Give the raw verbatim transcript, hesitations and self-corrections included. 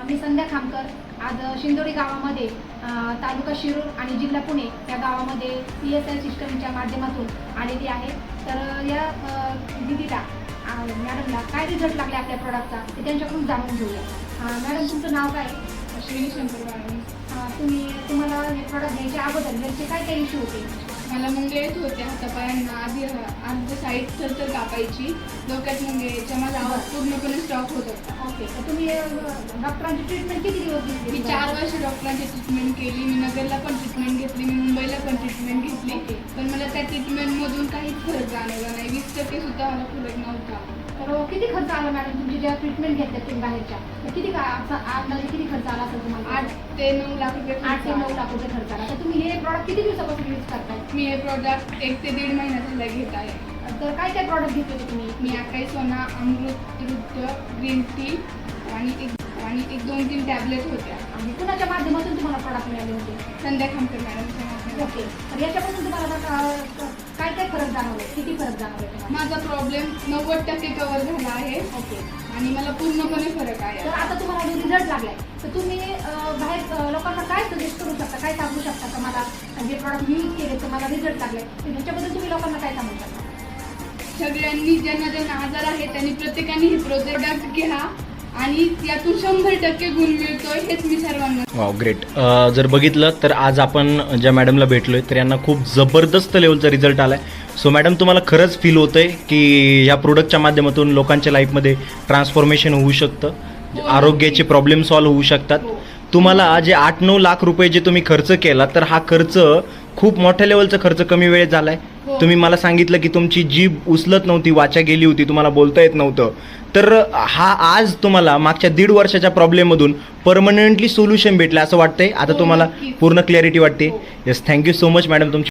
मी संध्या खामकर आज शिंदोडी गावामध्ये तालुका शिरूर आणि जिल्हा पुणे या गावामध्ये पी एस आय सिस्टमच्या माध्यमातून आलेली आहे. तर या दिदीला मॅडमला काय रिझल्ट लागले आपल्या प्रॉडक्टचा ते त्यांच्याकडून जाणून घेऊया. मॅडम तुमचं नाव काय? श्री शंकर मॅडम. तुम्ही तुम्हाला हे प्रॉडक्ट घ्यायच्या अगोदर घरचे काय काय इश्यू होते? मला मुंगे येत होते हातापायांना. आधी आधी साईड थरथर कापायची, डोक्यात मुंगे यायच्या. माझा आवाज पूर्णपणे स्टॉप होत होता. ओके, तर तुम्ही डॉक्टरांची ट्रीटमेंट किती दिवस घेतली? मी चार वर्ष डॉक्टरांची ट्रीटमेंट केली. मी नगरला पण ट्रीटमेंट घेतली, मी मुंबईला पण ट्रीटमेंट घेतली. पण मला त्या ट्रीटमेंटमधून काहीच फरक जाणवला नाही. वीस टक्के सुद्धा मला फरक नव्हता. तर किती खर्च आला मॅडम तुमची ज्या ट्रीटमेंट घेतल्या तुम्ही बाहेरच्या? तर किती का अंदाजे किती खर्च आला असेल तुम्हाला? आठ ते नऊ लाख रुपये आठ ते नऊ लाख रुपये खर्च आला. तर तुम्ही हे प्रॉडक्ट किती दिवसापासून यूज करताय? मी हे प्रॉडक्ट एक ते दीड महिना झाला घेत आहे. तर काय काय प्रॉडक्ट घेतले तुम्ही? मी आकाई सोना, अमृत, रुद्र, ग्रीन टी आणि एक आणि एक दोन तीन टॅबलेट होत्या. आणि कुणाच्या माध्यमातून तुम्हाला प्रॉडक्ट मिळाले होते? संध्या खामकर मॅडमच्या माध्यमातून. ओके, तर याच्यापासून तुम्हाला काय काय फरक जाणवले? किती फरक जाणवले तुम्हाला? माझा प्रॉब्लेम नव्वद टक्के कव्हर झाला आहे. ओके, आणि मला पूर्णपणे फरक आहे. तर आता तुम्हाला जो रिझल्ट लागलाय तर तुम्ही बाहेर लोकांना काय सजेस्ट करू शकता, काय सांगू शकता का मला जे प्रॉडक्ट यूज केले तुम्हाला रिझल्ट लागलाय तर ह्याच्याबद्दल तुम्ही लोकांना काय सांगू शकता? सगळ्यांनी ज्यांना ज्यांना आजार आहे त्यांनी प्रत्येकाने हे प्रोडक्ट घ्या आणि यातून शंभर टक्के गुण मिळतोय हेच मी सर्वांना. Wow, great. जर बघितलं तर आज आपण ज्या मॅडमला भेटलोय तर यांना खूप जबरदस्त लेवलचा रिझल्ट आलाय. सो मॅडम, तुम्हाला खरंच फील होतंय की ह्या प्रोडक्टच्या माध्यमातून लोकांच्या लाईफमध्ये ट्रान्सफॉर्मेशन होऊ शकतं, आरोग्याचे प्रॉब्लेम सॉल्व्ह होऊ शकतात. तुम्हाला जे आठ नऊ लाख रुपये जे तुम्ही खर्च केला तर हा खर्च खूप मोठ्या लेवलचा खर्च कमी वेळेत झालाय. तुम्ही मला सांगितलं की तुमची जीभ उचलत नव्हती, वाचा गेली होती, तुम्हाला बोलता येत नव्हतं. तर हा आज तुम्हाला मागच्या दीड वर्षाच्या प्रॉब्लेममधून परमनंटली सोल्युशन भेटलं असं वाटतंय. आता तुम्हाला पूर्ण क्लॅरिटी वाटते. Yes, thank you so much madam तुमची